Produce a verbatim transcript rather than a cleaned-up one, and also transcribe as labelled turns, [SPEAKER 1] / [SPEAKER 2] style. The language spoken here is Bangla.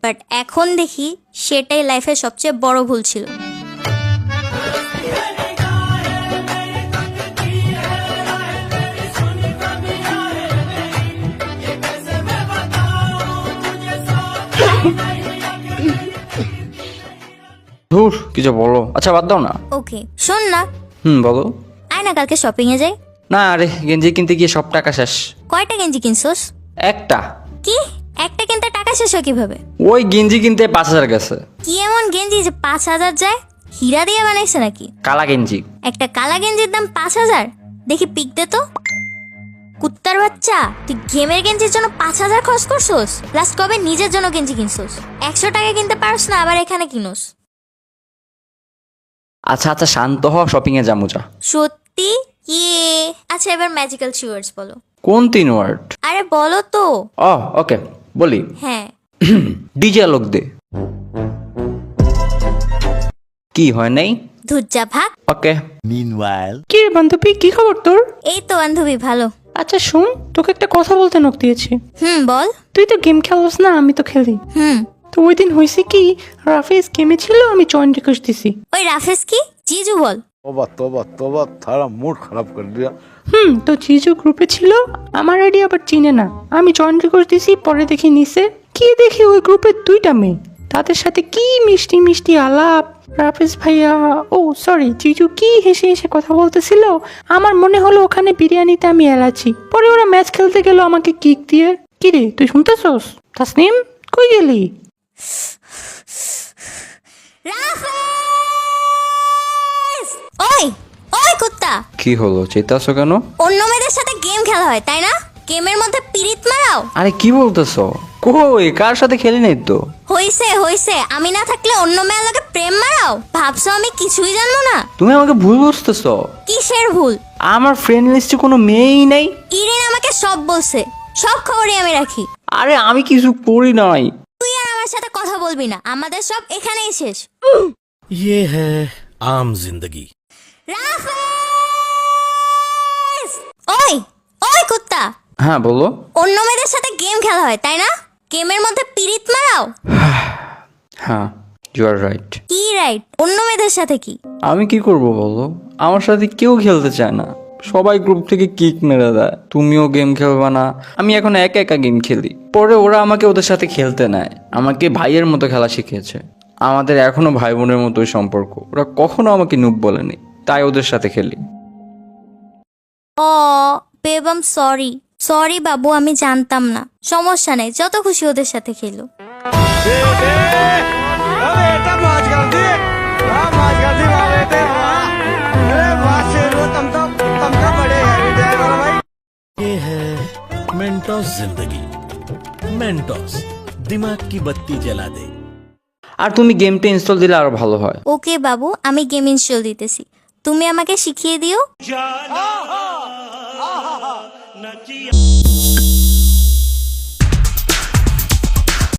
[SPEAKER 1] বাট এখন দেখি সেটাই লাইফের সবচেয়ে বড় ভুল ছিল।
[SPEAKER 2] ধুর কিছু বলো। আচ্ছা বাদ দাও না।
[SPEAKER 1] ওকে শোন না,
[SPEAKER 2] হুম বলো।
[SPEAKER 1] আয় না কালকে শপিং এ যাই।
[SPEAKER 2] না আরে গেঞ্জি কিনতে গিয়ে সব টাকা শেষ।
[SPEAKER 1] কয়টা গেঞ্জি কিনছোস?
[SPEAKER 2] একটা।
[SPEAKER 1] কি একটা কিনতে টাকা শেষ হয় কিভাবে?
[SPEAKER 2] ওই গেঞ্জি কিনতে পাঁচ হাজার গেছে।
[SPEAKER 1] কি এমন গেঞ্জি যে পাঁচ হাজার যায়? হীরা দিয়ে বানাইছে নাকি?
[SPEAKER 2] কালা গেঞ্জি।
[SPEAKER 1] একটা কালা গেঞ্জির দাম পাঁচ হাজার? দেখি পিক দে তো। কুত্তার বাচ্চা, তুই গেমের গেঞ্জির জন্য পাঁচ হাজার খরচ করছোস? লাস্ট কবে নিজের জন্য গেঞ্জি কিনছোস? একশো টাকা কিনতে পারস না, আবার এখানে কিনোস।
[SPEAKER 2] আচ্ছা আচ্ছা শান্ত হ, শপিং এ যাবো যা।
[SPEAKER 1] সত্যি? ইয়ে আচ্ছা এবার ম্যাজিক্যাল থ্রি ওয়ার্ডস বলো।
[SPEAKER 2] কোন তিন ওয়ার্ড?
[SPEAKER 1] আরে বলো তো।
[SPEAKER 2] ও ওকে বলি।
[SPEAKER 1] হ্যাঁ।
[SPEAKER 2] ডিজে লোক দে। কি হয় নাই?
[SPEAKER 1] ধুজ্জা ভাগ।
[SPEAKER 2] ওকে।
[SPEAKER 3] Meanwhile,
[SPEAKER 4] কি রে বান্ধবী, কি খবর তোর?
[SPEAKER 1] এই তো বান্ধবী ভালো।
[SPEAKER 4] আচ্ছা শোন, তোকে একটা কথা বলতে নক দিয়েছি।
[SPEAKER 1] হুম বল।
[SPEAKER 4] তুই তো গেম খেলোস না, আমি তো খেলি।
[SPEAKER 1] হুম।
[SPEAKER 4] তো ওই দিন হয়েছে কি, রাফিজ গেমে ছিল, আমি জয়েন রিকোয়েস্ট দিছি।
[SPEAKER 1] ওই রাফেজ কি? জিজু বল।
[SPEAKER 3] तोबा तोबा तोबा थारा मूड खराब कर दिया।
[SPEAKER 4] হুম তো জিজু গ্রুপে ছিল, আমার আইডি আবার চিনে না। আমি জয়েন রিকোয়েস্ট দিছি, পরে দেখি নিছে। কি দেখি ওই গ্রুপে দুইটা মেয়ে, তাদের সাথে কি মিষ্টি মিষ্টি আলাপ। রাফিজ ভাইয়া, ও সরি জিজু কি হেসে হেসে কথা বলতেছিল। আমার মনে হলো ওখানে বিরিয়ানিতে আমি এলাচি। পরে ওরা ম্যাচ খেলতে গেল আমাকে কিক দিয়ে। কি রে তুই শুনতেছস? তাসনিম কই গেলি?
[SPEAKER 1] রাফেজ! ওই ওই কুত্তা,
[SPEAKER 2] কি হলো, চেতাছো কেন?
[SPEAKER 1] অন্য মেয়েদের সাথে গেম খেলা হয় তাই না? গেমের মধ্যে পিরিত মারাও?
[SPEAKER 2] আরে কি বলতেছো? কই কার সাথে খেলি নাই তো।
[SPEAKER 1] হইছে হইছে, আমি না থাকলে অন্য মেয়ের লগে প্রেম মারাও? ভাবছো আমি কিছুই জানবো না?
[SPEAKER 2] তুমি আমাকে ভুল বুঝতেছো।
[SPEAKER 1] কিসের ভুল?
[SPEAKER 2] আমার ফ্রেন্ড লিস্টে কোনো মেয়েই নেই।
[SPEAKER 1] ইরিন আমাকে সব বলছে, সব খবরই আমি রাখি।
[SPEAKER 2] আরে আমি কিছু করি নাই।
[SPEAKER 1] তুই আর আমার সাথে কথা বলবি না, আমাদের সব এখানেই শেষ।
[SPEAKER 5] ये है आम जिंदगी।
[SPEAKER 1] রাফেজ! ওই ওই কুত্তা,
[SPEAKER 2] হ্যাঁ বলো।
[SPEAKER 1] অন্য মেয়েদের সাথে গেম খেলা হয় তাই না? গেমের মধ্যে পিরিত মারাও?
[SPEAKER 2] হ্যাঁ ইউ আর রাইট।
[SPEAKER 1] কি রাইট? অন্য মেয়েদের সাথে কি?
[SPEAKER 2] আমি কি করব বলো, আমার সাথে কেউ খেলতে চায় না, সবাই গ্রুপ থেকে কিক মেরে দেয়। তুমিও গেম খেলবা না, আমি এখন একা একা গেম খেলি। পরে ওরা আমাকে ওদের সাথে খেলতে নেয়, আমাকে ভাইয়ের মতো খেলা শিখিয়েছে। আমাদের এখনো ভাই বোনের মতোই সম্পর্ক। ওরা কখনো আমাকে নুব বলেনি, তাই ওদের সাথে খেলি।
[SPEAKER 1] ও বেবম সরি সরি বাবু, আমি জানতাম না। সমস্যা নেই, যত খুশি ওদের সাথে খেলো।
[SPEAKER 3] बेटा मौज कर दी, हाँ मौज कर दी वाह बेटे वाह। अरे वाह शेरो, तुम तो तुम तो बड़े हैवी ड्राइवर हो भाई।
[SPEAKER 5] ये है मेंटोस जिंदगी। मेंटोस दिमाग की बत्ती जला दे।
[SPEAKER 2] আর তুমি গেমটা ইনস্টল দিলে আরো ভালো হয়।
[SPEAKER 1] ওকে বাবু, আমি গেম ইনস্টল দিতেছি, তুমি আমাকে শিখিয়ে দিও।